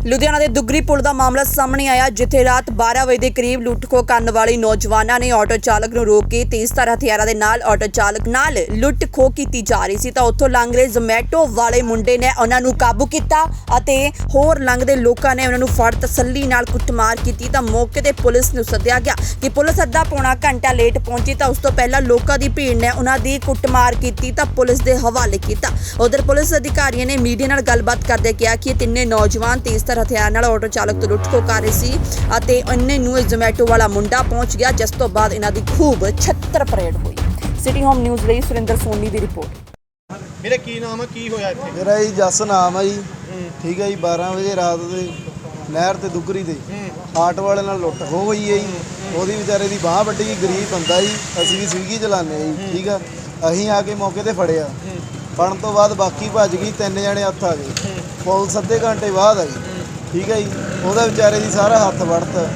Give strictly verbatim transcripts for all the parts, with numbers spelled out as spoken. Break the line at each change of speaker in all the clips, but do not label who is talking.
ਲੁਧਿਆਣਾ ਦੇ ਦੁੱਗਰੀ ਪੁਲ ਦਾ ਮਾਮਲਾ ਸਾਹਮਣੇ ਆਇਆ, ਜਿੱਥੇ ਰਾਤ ਬਾਰਾਂ ਵਜੇ ਦੇ ਕਰੀਬ ਲੁੱਟ-ਖੋਹ ਕਰਨ ਵਾਲੇ ਨੌਜਵਾਨਾਂ ਨੇ ਆਟੋ ਚਾਲਕ ਨੂੰ ਰੋਕ ਕੇ ਤੇਜ਼ਧਾਰ ਹਥਿਆਰਾਂ ਦੇ ਨਾਲ ਆਟੋ ਚਾਲਕ ਨਾਲ ਲੁੱਟ-ਖੋਹ ਕੀਤੀ ਜਾ ਰਹੀ ਸੀ ਤਾਂ ਉੱਥੋਂ ਲੰਘ ਰਹੇ ਜ਼ੋਮੈਟੋ ਵਾਲੇ ਮੁੰਡੇ ਨੇ ਉਹਨਾਂ ਨੂੰ ਕਾਬੂ ਕੀਤਾ ਅਤੇ ਹੋਰ ਲੰਘਦੇ ਲੋਕਾਂ ਨੇ ਉਹਨਾਂ ਨੂੰ ਫੜ ਤਸੱਲੀ ਨਾਲ ਕੁੱਟਮਾਰ ਕੀਤੀ ਤਾਂ ਮੌਕੇ ਤੇ ਪੁਲਿਸ ਨੂੰ ਸੱਦਿਆ ਗਿਆ ਕਿ ਪੁਲਿਸ ਅੱਧਾ ਪੌਣਾ ਘੰਟਾ ਲੇਟ ਪਹੁੰਚੀ ਤਾਂ ਉਸ ਤੋਂ ਪਹਿਲਾਂ ਲੋਕਾਂ ਦੀ ਭੀੜ ਨੇ ਉਹਨਾਂ ਦੀ ਕੁੱਟਮਾਰ ਕੀਤੀ ਤਾਂ ਪੁਲਿਸ ਦੇ ਹਵਾਲੇ ਕੀਤਾ। ਉਧਰ ਪੁਲਿਸ ਅਧਿਕਾਰੀਆਂ ਨੇ ਮੀਡੀਆ ਨਾਲ ਗੱਲਬਾਤ ਕਰਦੇ ਕਿਹਾ ਕਿ ਤਿੰਨੇ ਨੌਜਵਾਨ ਤੇਜ਼ਧਾਰ ਹਥਿਆਰ ਨਾਲ ਆਟੋ ਚਾਲਕ ਤੋਂ ਲੁੱਟ-ਖੋਹ ਕਰ ਰਹੇ ਸੀ ਅਤੇ ਇੰਨੇ ਨੂੰ ਜ਼ੋਮੈਟੋ ਵਾਲਾ ਮੁੰਡਾ ਪਹੁੰਚ ਗਿਆ, ਜਿਸ ਤੋਂ ਬਾਅਦ ਇਹਨਾਂ ਦੀ ਖੂਬ ਛੱਤਰ ਪਰੇਡ ਹੋਈ। ਸਿਟੀ ਹੋਮ ਨਿਊਜ਼ ਲਈ ਸੁਰਿੰਦਰ ਸੋਨੀ ਦੀ ਰਿਪੋਰਟ।
ਮੇਰੇ ਕੀ ਨਾਮ ਹੈ, ਕੀ ਹੋਇਆ ਇੱਥੇ?
ਮੇਰਾ ਜੀ ਜਸ ਨਾਮ ਹੈ ਜੀ। ਠੀਕ ਹੈ ਜੀ। ਬਾਰਾਂ ਵਜੇ ਰਾਤ ਦੇ ਨਹਿਰ ਤੇ ਦੁੱਗਰੀ ਦੇ ਆਟੋ ਵਾਲੇ ਨਾਲ ਲੁੱਟ ਹੋ ਗਈ ਹੈ ਜੀ। ਉਹਦੀ ਵਿਚਾਰੇ ਦੀ ਬਾਂਹ ਵੱਡੀ, ਗਰੀਬ ਬੰਦਾ ਜੀ। ਅਸੀਂ ਵੀ ਸਵੀਗੀ ਚਲਾਉਂਦੇ ਜੀ। ਠੀਕ ਆ। ਅਸੀਂ ਆ ਕੇ ਮੌਕੇ ਤੇ ਫੜਿਆ। ਫੜਨ ਤੋਂ ਬਾਅਦ ਬਾਕੀ ਭੱਜ ਗਈ, ਤਿੰਨ ਜਣੇ ਹੱਥ ਆ ਗਏ। ਪੁਲਿਸ ਅੱਧੇ ਘੰਟੇ ਬਾਅਦ ਆਈ। ਠੀਕ ਹੈ ਜੀ। ਉਹਦਾ ਵਿਚਾਰੇ ਦੀ ਸਾਰਾ ਹੱਥ ਵੜਤ।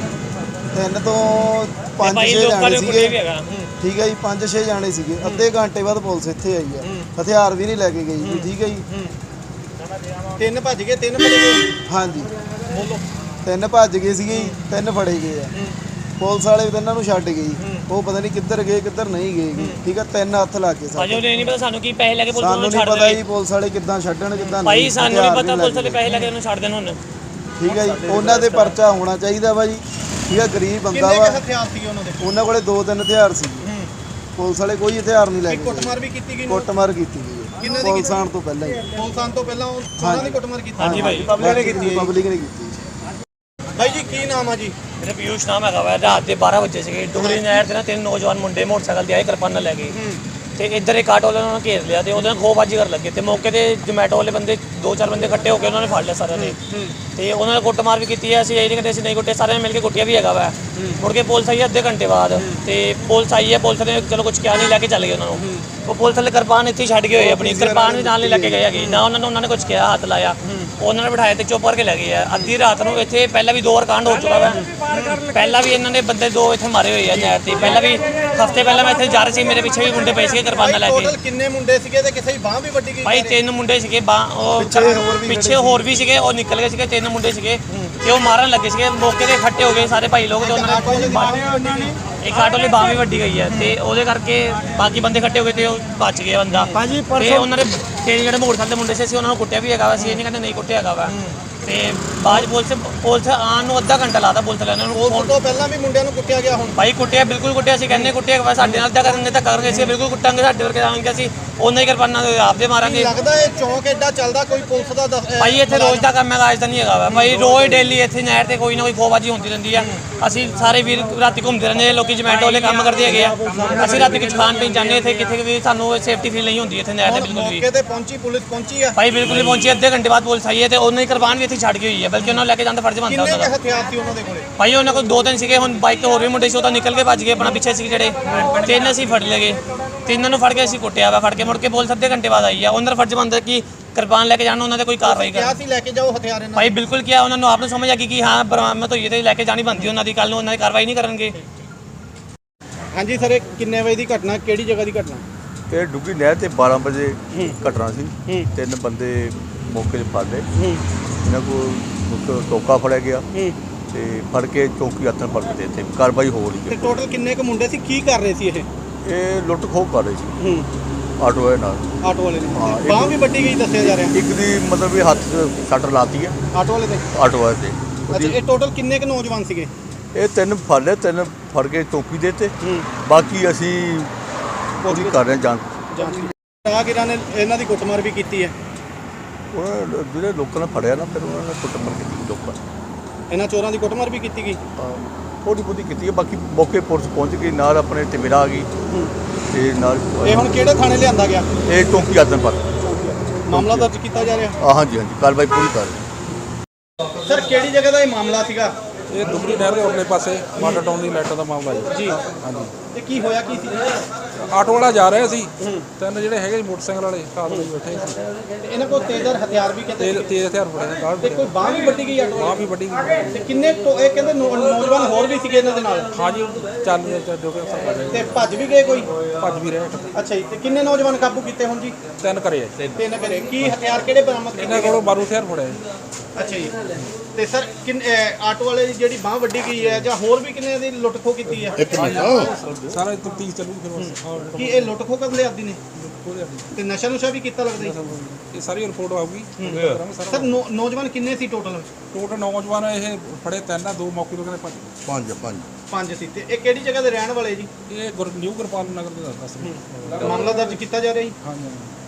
ਤਿੰਨ ਤੋਂ ਪੰਜ ਛੇ ਜਾਣੇ ਸੀਗੇ। ਠੀਕ ਹੈ ਜੀ। ਪੰਜ ਛੇ ਜਾਣੇ ਸੀਗੇ। ਅੱਧੇ ਘੰਟੇ ਬਾਅਦ ਪੁਲਿਸ ਇੱਥੇ ਆਈ ਆ। ਹਥਿਆਰ ਵੀ ਨਹੀਂ ਲੈ ਕੇ ਗਈ ਜੀ। ਠੀਕ ਹੈ ਜੀ।
ਤਿੰਨ ਭੱਜ ਗਏ, ਤਿੰਨ ਫੜੇ ਗਏ?
ਹਾਂਜੀ, ਤਿੰਨ ਭੱਜ ਗਏ ਸੀਗੇ, ਤਿੰਨ ਫੜੇ ਗਏ ਆ। ਪੁਲਿਸ ਵਾਲੇ ਵੀ ਇਹਨਾਂ ਨੂੰ ਛੱਡ ਗਈ। ਉਹ ਪਤਾ ਨਹੀਂ ਕਿੱਧਰ ਗਏ ਕਿੱਧਰ ਨਹੀਂ ਗਏ। ਠੀਕ ਆ। ਤਿੰਨ ਹੱਥ ਲੱਗ ਗਏ ਸਾਡੇ।
ਅਜੇ ਨਹੀਂ ਪਤਾ ਸਾਨੂੰ ਕੀ ਪੈਸੇ ਲੈ ਕੇ ਪੁਲਿਸ ਨੂੰ ਛੱਡ
ਸਾਨੂੰ ਨਹੀਂ ਪਤਾ ਜੀ ਪੁਲਿਸ ਵਾਲੇ ਕਿੱਦਾਂ ਛੱਡਣ ਕਿੱਦਾਂ ਨਹੀਂ।
ਭਾਈ ਸਾਨੂੰ ਨਹੀਂ ਪਤਾ ਪੁਲਿਸ ਵਾਲੇ ਪੈਸੇ ਲੈ ਕੇ ਉਹਨੂੰ ਛੱਡ ਦੇਣ ਹੁਣ।
ਠੀਕ ਹੈ ਜੀ। ਉਹਨਾਂ ਦੇ ਪਰਚਾ ਹੋਣਾ ਚਾਹੀਦਾ ਵਾ ਜੀ। ਠੀਕ ਆ। ਗਰੀਬ ਬੰਦਾ ਵਾ।
ਕਿੰਨੇ ਹਥਿਆਰ ਸੀ ਉਹਨਾਂ ਦੇ?
ਉਹਨਾਂ ਕੋਲੇ ਦੋ ਤਿੰਨ ਹਥਿਆਰ ਸੀ। ਪੁਲਿਸ ਵਾਲੇ ਕੋਈ ਹਥਿਆਰ ਨਹੀਂ ਲੈ ਕੇ।
ਕੁੱਟਮਾਰ ਵੀ ਕੀਤੀ ਗਈ?
ਕੁੱਟਮਾਰ ਕੀਤੀ ਗਈ।
ਕਿੰਨਾਂ ਦੀ?
ਪੁਲਿਸ ਆਉਣ ਤੋਂ ਪਹਿਲਾਂ ਹੀ।
ਪੁਲਿਸ ਆਉਣ ਤੋਂ ਪਹਿਲਾਂ ਉਹਨਾਂ ਦੀ ਕੁੱਟਮਾਰ ਕੀਤੀ?
ਹਾਂਜੀ ਭਾਈ,
ਪਬਲਿਕ ਨੇ ਕੀਤੀ। ਪਬਲਿਕ ਨੇ ਕੀਤੀ।
ਭਾਈ ਜੀ ਕੀ ਨਾਮ ਆ ਜੀ?
ਮੇਰਾ ਪਿਊਸ਼ ਨਾਮ ਹੈਗਾ ਵਾ। ਰਾਤ ਦੇ ਬਾਰਾਂ ਵਜੇ ਸੀਗੇ ਡੁਗਰੀ ਨਹਿਰ ਤੇ ਨਾ ਤਿੰਨ ਨੌਜਵਾਨ ਮੁੰਡੇ ਮੋਟਰਸਾਈਕਲ ਤੇ ਆਏ, ਕਿਰਪਾਨਾਂ ਲੈ ਕੇ ਤੇ ਇੱਧਰ ਇੱਕ ਆਟੋ ਵਾਲੇ ਉਹਨਾਂ ਨੇ ਘੇਰ ਲਿਆ ਤੇ ਉਹਦੇ ਨਾਲ ਖੋਹਬਾਜ਼ੀ ਕਰਨ ਲੱਗੇ ਤੇ ਮੌਕੇ ਤੇ ਜ਼ੋਮੈਟੋ ਵਾਲੇ ਬੰਦੇ ਦੋ ਚਾਰ ਬੰਦੇ ਇਕੱਠੇ ਹੋ ਕੇ ਉਹਨਾਂ ਨੇ ਫੜ ਲਿਆ ਸਾਰਿਆਂ ਨੇ ਤੇ ਉਹਨਾਂ ਨੇ ਕੁੱਟਮਾਰ ਵੀ ਕੀਤੀ ਹੈ। ਅਸੀਂ ਇਹ ਨਹੀਂ ਕਹਿੰਦੇ ਅਸੀਂ ਨਹੀਂ ਕੁੱਟੇ, ਸਾਰਿਆਂ ਨੇ ਮਿਲ ਕੇ ਕੁੱਟਿਆ ਵੀ ਹੈਗਾ ਵਾ। ਮੁੜ ਕੇ ਪੁਲਿਸ ਆਈ ਅੱਧੇ ਘੰਟੇ ਬਾਅਦ ਤੇ ਪੁਲਿਸ ਆਈ ਹੈ। ਪੁਲਿਸ ਨੇ ਚਲੋ ਕੁਝ ਕਿਹਾ ਨਹੀਂ, ਲੈ ਕੇ ਚੱਲ ਗਏ ਉਹਨਾਂ ਨੂੰ। ਉਹ ਪੁਲਿਸ ਵਾਲੇ ਕਿਰਪਾਨ ਇੱਥੇ ਛੱਡ ਕੇ ਹੋਏ, ਆਪਣੀ ਕਿਰਪਾਨ ਵੀ ਨਾਲ ਨਹੀਂ ਲੈ ਕੇ ਗਏ ਹੈਗੇ ਨਾ। ਉਹਨਾਂ ਨੂੰ ਉਹਨਾਂ ਨੇ ਕੁਝ ਕਿਹਾ, ਹੱਥ ਲਾਇਆ, ਉਹਨਾਂ ਨੇ ਬਿਠਾਇਆ ਤੇ ਚੁੱਪ ਕਰਕੇ ਲੈ ਗਏ ਆ। ਅੱਧੀ ਰਾਤ ਨੂੰ ਇੱਥੇ ਪਹਿਲਾਂ ਵੀ ਦੋ ਵਾਰ ਕਾਂਡ ਹੋ ਚੁੱਕਾ ਵਾ। ਪਹਿਲਾਂ ਵੀ ਇਹਨਾਂ ਨੇ ਬੰਦੇ ਦੋ ਇੱਥੇ ਮਾਰੇ ਹੋਏ ਆ ਨਹਿਰ ਤੇ। ਪਹਿਲਾਂ ਵੀ ਹਫ਼ਤੇ ਪਹਿਲਾਂ ਮੈਂ ਇੱਥੇ ਜਾ ਰਹੀ ਸੀ, ਮੇਰੇ ਪਿੱਛੇ ਵੀ ਮੁੰਡੇ ਪਏ ਸੀਗੇ ਕਿਰਪਾਨਾਂ ਲੈ ਕੇ।
ਟੋਟਲ ਕਿੰਨੇ ਮੁੰਡੇ ਸੀਗੇ ਤੇ ਕਿਸੇ ਦੀ ਬਾਂਹ ਵੀ ਵੱਡੀ ਗਈ?
ਭਾਈ ਤਿੰਨ ਮੁੰਡੇ ਸੀਗੇ, ਬਾਂਹ ਉਹ ਪਿੱਛੇ ਹੋਰ ਵੀ ਸੀਗੇ, ਉਹ ਨਿਕਲ ਗਏ ਸੀਗੇ। ਤਿੰਨ ਮੁੰਡੇ ਸੀਗੇ ਤੇ ਉਹ ਮਾਰਨ ਲੱਗੇ ਸੀਗੇ। ਮੌਕੇ ਤੇ ਇਕੱਠੇ ਹੋ ਗਏ ਸਾਰੇ ਭਾਈ ਲੋਕ ਤੇ ਉਹਨਾਂ ਨੇ ਇੱਕ ਆਟੋ ਲਈ ਬਾਂਹ ਵੀ ਵੱਡੀ ਗਈ ਹੈ ਤੇ ਉਹਦੇ ਕਰਕੇ ਬਾਕੀ ਬੰਦੇ ਇਕੱਠੇ ਹੋ ਗਏ ਤੇ ਉਹ ਬਚ ਗਏ ਬੰਦਾ। ਤੇ ਉਹਨਾਂ ਨੇ ਤੇ ਜਿਹੜੇ ਮੋਟਰਸਾਈਕਲ ਦੇ ਮੁੰਡੇ ਸੀ ਅਸੀਂ ਉਹਨਾਂ ਨੂੰ ਕੁੱਟਿਆ ਵੀ ਹੈਗਾ ਵਾ। ਅਸੀਂ ਇਹ ਨਹੀਂ ਕਹਿੰਦੇ ਨਹੀਂ ਕੁੱਟਿਆ ਹੈਗਾ ਵਾ। ਤੇ ਬਾਅਦ ਪੁਲਿਸ ਪੁਲਿਸ ਆਉਣ ਨੂੰ ਅੱਧਾ ਘੰਟਾ ਲਾਤਾ ਪੁਲਿਸ ਵਾਲਿਆਂ ਨੂੰ।
ਉਸ ਤੋਂ ਪਹਿਲਾਂ ਵੀ ਮੁੰਡਿਆਂ ਨੂੰ ਕੁੱਟਿਆ ਗਿਆ? ਹੁਣ
ਭਾਈ ਕੁੱਟਿਆ, ਬਿਲਕੁਲ ਕੁੱਟਿਆ। ਅਸੀਂ ਕਹਿੰਦੇ ਕੁੱਟਿਆ ਵਾ, ਸਾਡੇ ਨਾਲ ਤਾਂ ਕਰਨਗੇ ਤਾਂ ਕਰਨਗੇ, ਅਸੀਂ ਬਿਲਕੁਲ ਕੁੱਟਾਂਗੇ। ਸਾਡੇ ਵਰਗੇ ਆਵਾਂਗੇ ਅਸੀਂ ਉਹਨਾਂ ਹੀ ਕਿਰਪਾਨਾਂ ਆਪਦੇ ਮਾਰਾਂਗੇ।
ਲੱਗਦਾ ਇਹ ਚੌਂਕ ਐਡਾ ਚੱਲਦਾ ਕੋਈ ਪੁਲਿਸ ਦਾ?
ਭਾਈ ਇੱਥੇ ਰੋਜ਼ ਦਾ ਕੰਮ ਹੈਗਾ, ਅੱਜ ਤਾਂ ਨਹੀਂ ਹੈਗਾ ਵਾ। ਭਾਈ ਰੋਜ਼ ਡੇਲੀ ਇੱਥੇ ਨਹਿਰ ਤੇ ਕੋਈ ਨਾ ਕੋਈ ਖੋਹਬਾਜ਼ੀ ਹੁੰਦੀ ਰਹਿੰਦੀ ਆ। ਅਸੀਂ ਸਾਰੇ ਵੀਰ ਰਾਤੀ ਘੁੰਮਦੇ ਰਹਿੰਦੇ, ਲੋਕੀ ਜ਼ੋਮੈਟੋ ਵਾਲੇ ਕੰਮ ਕਰਦੇ ਹੈਗੇ ਆ। ਅਸੀਂ ਰਾਤੀ ਕੁਝ ਖਾਣ ਪੀਣ ਜਾਂਦੇ ਇੱਥੇ, ਕਿੱਥੇ ਵੀ ਸਾਨੂੰ ਸੇਫਟੀ ਫੀਲ ਨਹੀਂ ਹੁੰਦੀ ਇੱਥੇ ਨਹਿਰ ਤੇ ਬਿਲਕੁਲ ਵੀ।
ਮੌਕੇ ਤੇ ਪਹੁੰਚੀ ਪੁਲਿਸ ਪਹੁੰਚੀ ਆ?
ਭਾਈ ਬਿਲਕੁਲ ਨਹੀਂ ਪਹੁੰਚੀ। ਅੱਧੇ ਘੰਟੇ ਬਾਅਦ ਪੁਲਿਸ ਆਈ ਹੈ ਤੇ ਉਹਨਾਂ ਦੀ ਕਿਰਪਾਨ ਵੀ ਇੱਥੇ ਛੱਡ ਕੇ ਹੋਈ ਹੈ, ਬਲਕਿ ਉਹਨਾਂ ਨੂੰ ਲੈ ਕੇ ਜਾਂਦਾ ਫਰਜ਼ ਬਣਦਾ
ਕਿੰਨੇ
ਉਹਨਾਂ ਦਾ।
ਹਥਿਆਰ ਸੀ ਉਹਨਾਂ ਦੇ ਕੋਲੇ?
ਭਾਈ ਉਹਨਾਂ ਕੋਲ ਦੋ ਤਿੰਨ ਸੀਗੇ। ਹੁਣ ਬਾਈਕ ਤੇ ਹੋਰ ਵੀ ਮੁੰਡੇ ਸੀ, ਉਹ ਤਾਂ ਨਿਕਲ ਕੇ ਭੱਜ ਗਏ ਆਪਣਾ ਪਿੱਛੇ ਸੀ ਜਿਹੜੇ। ਤਿੰਨ ਅਸੀਂ ਫੜ ਲਏ ਗਏ, ਤਿੰਨਾਂ ਨੂੰ ਫੜ ਕੇ ਅਸੀਂ ਕੁੱਟਿਆ ਵਾ। ਫੜ ਕੇ ਮੁੜ ਕੇ ਪੁਲਿਸ ਅੱਧੇ ਘੰਟੇ ਬਾਅਦ ਆਈ ਆ। ਉਹਨਾਂ ਦਾ ਫਰਜ਼ ਬਣਦਾ ਕਿ ਕਿਰਪਾਨ ਲੈ ਕੇ ਜਾਣ, ਉਹਨਾਂ ਤੇ ਕੋਈ ਕਾਰਵਾਈ
ਕਿਹਾ
ਕਰਨ।
ਸੀ ਲੈ ਕੇ ਜਾਓ ਹਥਿਆਰ ਇਹਨਾਂ?
ਭਾਈ ਬਿਲਕੁਲ ਕਿਹਾ, ਉਹਨਾਂ ਨੂੰ ਆਪ ਨੂੰ ਸਮਝ ਆ ਗਈ ਕਿ ਹਾਂ ਬਰਾਮਦ ਹੋਈ ਤੇ ਲੈ ਕੇ ਜਾਣੀ ਬਣਦੀ ਉਹਨਾਂ ਦੀ। ਕੱਲ ਨੂੰ ਉਹਨਾਂ ਦੀ ਕਾਰਵਾਈ ਨਹੀਂ ਕਰਨਗੇ।
ਹਾਂਜੀ ਸਰ, ਇਹ ਕਿੰਨੇ ਵਜੇ ਦੀ ਘਟਨਾ, ਕਿਹੜੀ ਜਗ੍ਹਾ ਦੀ ਘਟਨਾ?
ਇਹ ਡੁੱਗੀ ਨਹਿਰ ਤੇ ਬਾਰਾਂ ਵਜੇ ਘਟਨਾ ਸੀ। ਤਿੰਨ ਬੰਦੇ ਮੌਕੇ 'ਤੇ ਫੜ ਲਏ। ਇਹਨਾਂ ਕੋਲ ਟੋਕਾ ਫੜਿਆ ਗਿਆ ਤੇ ਫੜ ਕੇ ਚੌਕੀ ਹੱਥਾਂ ਫੜ ਕੇ ਇੱਥੇ ਕਾਰਵਾਈ ਹੋ ਰਹੀ
ਤੇ
ਹੈ।
ਟੋਟਲ ਕਿੰਨੇ ਕੁ ਮੁੰਡੇ ਸੀ, ਕੀ ਕਰ ਰਹੇ ਸੀ ਇਹ?
ਇਹ ਲੁੱਟ ਖੋਹ ਕਰ ਰਹੇ ਸੀ ਆਟੋ ਵਾਲੇ ਨਾਲ।
ਆਟੋ ਵਾਲੇ ਨੇ
ਹਾਂ, ਇੱਕ-
ਬਾਂਹ ਵੀ ਵੱਡੀ ਗਈ ਦੱਸਿਆ ਜਾ ਰਿਹਾ।
ਇੱਕ ਦੀ ਮਤਲਬ ਵੀ ਹੱਥ 'ਚ ਸੱਟ ਲਾਤੀ ਹੈ
ਆਟੋ ਵਾਲੇ ਦੇ?
ਆਟੋ ਵਾਲੇ ਤੇ।
ਅੱਛਾ,
ਉਹਦੀ-
ਇਹ ਟੋਟਲ ਕਿੰਨੇ ਕੁ ਨੌਜਵਾਨ ਸੀਗੇ?
ਇਹ ਤਿੰਨ ਫੜ ਲਏ, ਤਿੰਨ ਫੜ ਕੇ ਚੌਕੀ ਦੇ ਤੇ। ਬਾਕੀ ਅਸੀਂ ਉਹਦੀ ਕਰ ਰਹੇ ਹਾਂ ਜਾਂਚ।
ਰਾਹਗੀਰਾਂ ਨੇ ਇਹਨਾਂ ਦੀ ਕੁੱਟਮਾਰ ਵੀ ਕੀਤੀ ਹੈ?
ਉਹਨਾਂ ਨੇ ਜਿਹੜੇ ਲੋਕਾਂ ਨੇ ਫੜਿਆ ਨਾ, ਫਿਰ ਉਹਨਾਂ ਨੇ ਕੁੱਟਮਾਰ ਕੀਤੀ ਲੋਕਾਂ ਨੇ।
ਇਹਨਾਂ ਚੋਰਾਂ ਦੀ ਕੁੱਟਮਾਰ ਵੀ ਕੀਤੀ ਗਈ?
ਥੋੜ੍ਹੀ ਬਹੁਤੀ ਕੀਤੀ ਹੈ। ਬਾਕੀ ਮੌਕੇ ਪੁਲਿਸ ਪਹੁੰਚ ਗਈ, ਨਾਲ ਆਪਣੇ ਟਿਮੇਰਾ ਆ ਗਈ ਤੇ ਨਾਲ
ਇਹ ਹੁਣ ਕਿਹੜੇ ਥਾਣੇ ਲਿਆਂਦਾ ਗਿਆ?
ਇਹ ਚੌਕੀ ਆਦਨ ਪਰ
ਮਾਮਲਾ ਦਰਜ ਕੀਤਾ ਜਾ ਰਿਹਾ?
ਆ ਹਾਂਜੀ ਹਾਂਜੀ, ਕਾਰਵਾਈ ਪੂਰੀ ਕਰ ਰਹੇ।
ਸਰ ਕਿਹੜੀ ਜਗ੍ਹਾ ਦਾ ਇਹ ਮਾਮਲਾ ਸੀਗਾ?
ਇਹ ਦੁਗਰੀ ਨਹਿਰ ਦੇ ਉਰਲੇ ਪਾਸੇ ਵਾਟਰ ਟਾਊਨ ਦੀ ਲਾਈਟਾਂ ਦਾ ਮਾਮਲਾ ਜੀ।
ਜੀ
ਹਾਂਜੀ।
ਤੇ ਕੀ ਹੋਇਆ ਕੀ ਸੀ
ਆਟੋ ਵਾਲਾ ਜਾ ਰਿਹਾ ਸੀ ਤਿੰਨ ਜਿਹੜੇ ਹੈਗੇ ਸੀ ਮੋਟਰਸਾਈਕਲ ਵਾਲੇ ਸਾਥ ਵਿੱਚ ਬੈਠੇ ਸੀ
ਤੇ ਇਹਨਾਂ ਕੋਲ ਤੇਜ਼ਰ ਹਥਿਆਰ ਵੀ ਕਹਿੰਦੇ
ਤੇਜ਼ ਤੇਜ਼ ਹਥਿਆਰ ਫੜਿਆ ਗਾਲ
ਤੇ ਕੋਈ ਬਾਂਹ ਵੀ ਵੱਡੀ ਗਈ ਆਟੋ
ਬਾਂਹ ਵੀ ਵੱਡੀ ਗਈ।
ਤੇ ਕਿੰਨੇ ਟੋ- ਇਹ ਕਹਿੰਦੇ ਨੌ- ਨੌਜਵਾਨ ਹੋਰ ਵੀ ਸੀਗੇ ਇਹਨਾਂ ਦੇ ਨਾਲ
ਹਾਂਜੀ ਚੱਲ ਰਿਹਾ ਜੋ ਕਿ ਸਭ ਭੱਜ
ਤੇ ਭੱਜ ਵੀ ਗਏ ਕੋਈ
ਭੱਜ ਵੀ ਰਿਹਾ
ਅੱਛਾ ਜੀ ਤੇ ਕਿੰਨੇ ਨੌਜਵਾਨ ਕਾਬੂ ਕੀਤੇ ਹੁਣ ਜੀ
ਤਿੰਨ ਕਰੇ ਆ
ਤਿੰਨ ਘਰੇ ਕੀ ਹਥਿਆਰ ਕਿਹੜੇ ਬਰਾਮਦ ਕੀਤੇ
ਇਹਨਾਂ ਕੋਲੋਂ ਬਾਰੂ ਹਥਿਆਰ ਫੜਿਆ ਜੀ।
ਅੱਛਾ ਜੀ ਤੇ ਸਰ ਕਿੰਨ ਅਹ ਆਟੋ ਵਾਲੇ ਦੀ ਜਿਹੜੀ ਬਾਹ ਵੱਡੀ ਗਈ ਹੈ ਜਾਂ ਹੋਰ ਵੀ ਕਿੰਨੇ ਦੀ ਲੁੱਟ ਖੋਹ ਕੀਤੀ ਹੈ
ਸਾਰਾ ਤਫਤੀਸ਼ ਚੱਲੂਗੀ ਫਿਰ ਬਸ ਹਾਂ
ਕੀ ਇਹ ਲੁੱਟ ਖੋਹ ਕਰਨ ਦੇ ਆਦੀ ਨੇ
ਉਹਦੇ ਅੱਗੇ।
ਤੇ ਨਸ਼ਾ ਨੁਸ਼ਾ ਵੀ ਕੀਤਾ ਲੱਗਦਾ ਜੀ
ਇਹ ਸਾਰੀ ਰਿਪੋਰਟ ਆਊਗੀ ਕਰਾਂਗੇ
ਸਰ
ਸਾਰਾ
ਨੌ- ਨੌਜਵਾਨ ਕਿੰਨੇ ਸੀ ਟੋਟਲ
ਟੋਟਲ ਨੌਜਵਾਨ ਇਹ ਫੜੇ ਤਿੰਨ ਆ ਦੋ ਮੌਕੇ ਤੋਂ ਕਹਿੰਦੇ ਭੱਜ ਗਏ।
ਪੰਜ ਪੰਜ
ਪੰਜ ਸੀ ਤੇ ਇਹ ਕਿਹੜੀ ਜਗ੍ਹਾ ਦੇ ਰਹਿਣ ਵਾਲੇ ਜੀ
ਇਹ ਗੁਰ ਨਿਊ ਗੁਰਪਾਲ ਨਗਰ ਦੇ ਦੱਸ ਦੱਸ ਰਹੇ
ਮਾਮਲਾ ਦਰਜ ਕੀਤਾ ਜਾ ਰਿਹਾ ਜੀ
ਹਾਂਜੀ ਹਾਂਜੀ